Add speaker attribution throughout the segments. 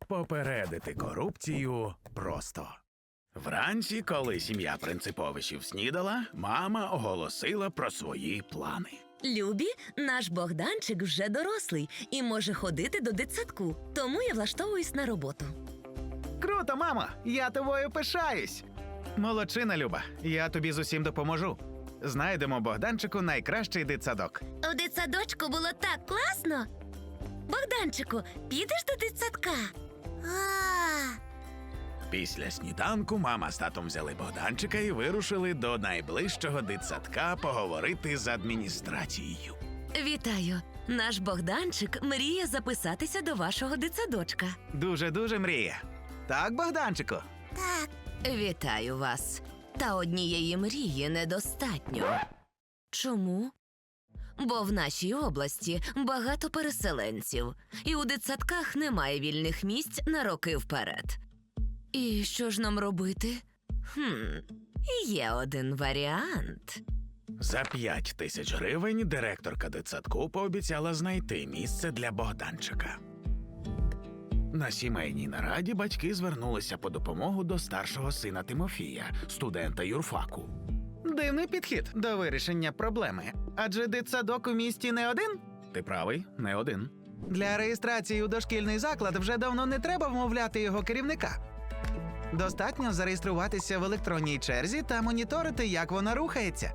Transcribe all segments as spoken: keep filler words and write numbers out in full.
Speaker 1: Попередити корупцію просто. Вранці, коли сім'я Принциповичів снідала, мама оголосила про свої плани.
Speaker 2: Любі, наш Богданчик вже дорослий і може ходити до дитсадку, тому я влаштовуюсь на роботу.
Speaker 3: Круто, мамо! Я тобою пишаюсь! Молодчина, Люба, я тобі з усім допоможу. Знайдемо Богданчику найкращий дитсадок.
Speaker 2: У дитсадочку було так класно. Богданчику, підеш до дитсадка? А.
Speaker 1: Після сніданку мама з татом взяли Богданчика і вирушили до найближчого дитсадка поговорити з адміністрацією.
Speaker 2: Вітаю! Наш Богданчик мріє записатися до вашого дитсадочка.
Speaker 3: Дуже-дуже мріє. Так, Богданчику?
Speaker 2: Так. Вітаю вас. Та однієї мрії недостатньо. Чому? Бо в нашій області багато переселенців, і у дитсадках немає вільних місць на роки вперед. І що ж нам робити? Хм, є один варіант.
Speaker 1: За п'ять тисяч гривень директорка дитсадку пообіцяла знайти місце для Богданчика. На сімейній нараді батьки звернулися по допомогу до старшого сина Тимофія, студента юрфаку.
Speaker 3: Дивний підхід до вирішення проблеми. Адже дитсадок у місті не один.
Speaker 1: Ти правий, не один.
Speaker 3: Для реєстрації у дошкільний заклад вже давно не треба вмовляти його керівника. Достатньо зареєструватися в електронній черзі та моніторити, як вона рухається.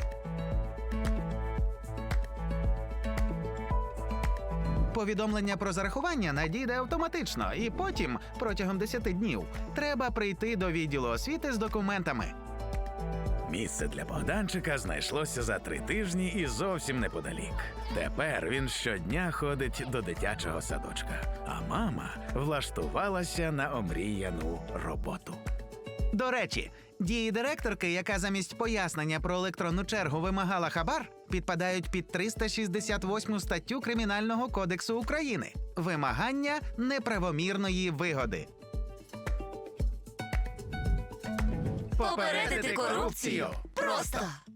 Speaker 3: Повідомлення про зарахування надійде автоматично, і потім, протягом десяти днів, треба прийти до відділу освіти з документами.
Speaker 1: Місце для Богданчика знайшлося за три тижні і зовсім неподалік. Тепер він щодня ходить до дитячого садочка, а мама влаштувалася на омріяну роботу.
Speaker 3: До речі, дії директорки, яка замість пояснення про електронну чергу вимагала хабар, підпадають під триста шістдесят восьму статтю Кримінального кодексу України – вимагання неправомірної вигоди.
Speaker 2: Попередити корупцію просто!